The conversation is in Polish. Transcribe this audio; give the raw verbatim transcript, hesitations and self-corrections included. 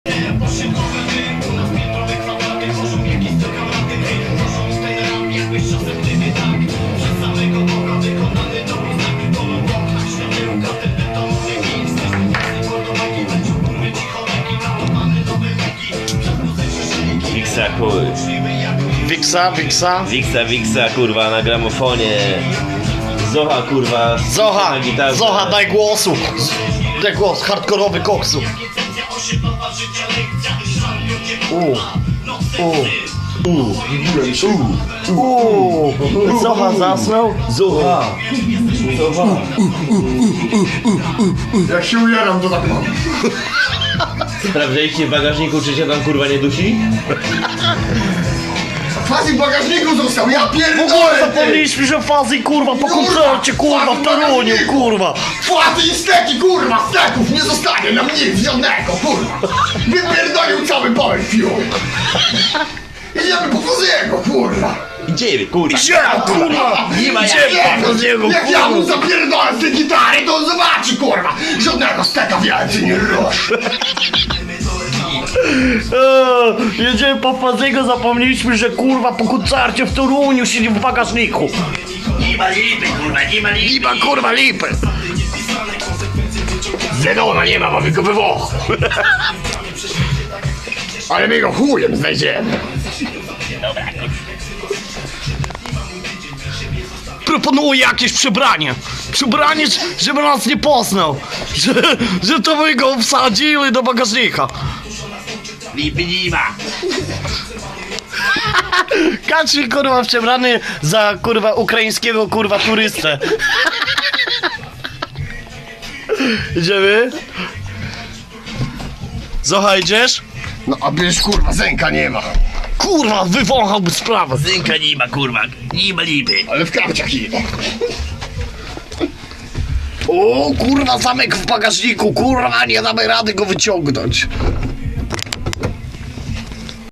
Wiksa, chuj. Wiksa, Wiksa. Wiksa, Wiksa, kurwa, na gramofonie. Zocha, kurwa. Zocha, na gitarze. Zocha, daj głosu. Daj głos, hardkorowy koksu. U, u, u, u, u. Zocha zasnął? Zocha. Zocha. Jak się ujaram, to tak mam. Sprawdzaliście w bagażniku, czy się tam kurwa nie dusi? Fazy w bagażniku został, ja W ogóle pierdolę! ty! zapomnieliśmy, że fazy kurwa po koncercie kurwa w Toruniu kurwa. Płaty i steki, kurwa, steków nie zostanie nam nic żadnego, kurwa! Wypierdolił cały Power Fuel! Idziemy po Faziego, kurwa! Idziemy, kurwa. Gdzie kurwa? Nie ma jak. Gdzie po niego Jak ja mu kurwa? zapierdolę z tej gitary, to on zobaczy, kurwa! Żadnego steka więcej nie rusz! Eee, jedziemy po Faziego, zapomnieliśmy, że kurwa po koncercie w Toruniu siedzi w bagażniku. Nie ma lipy, kurwa, nie ma lipy. Nie ma kurwa lipy. Zenona nie ma, mamy go we Włoch. Ale my go chujem znajdziemy. Proponuję jakieś przebranie. Przebranie, żeby nas nie poznał. Że, że to my go wsadzili do bagażnika. Lipy nie ma. Kaczy kurwa przebrany za kurwa ukraińskiego kurwa turystę. Idziemy? Zocha, idziesz? No a bierz, kurwa, Zenka nie ma. Kurwa, wywąchałby sprawę. Zynka nie ma, kurwa. Nie ma lipy. Ale w kapciach idę. O kurwa, zamek w bagażniku, kurwa, nie damy rady go wyciągnąć.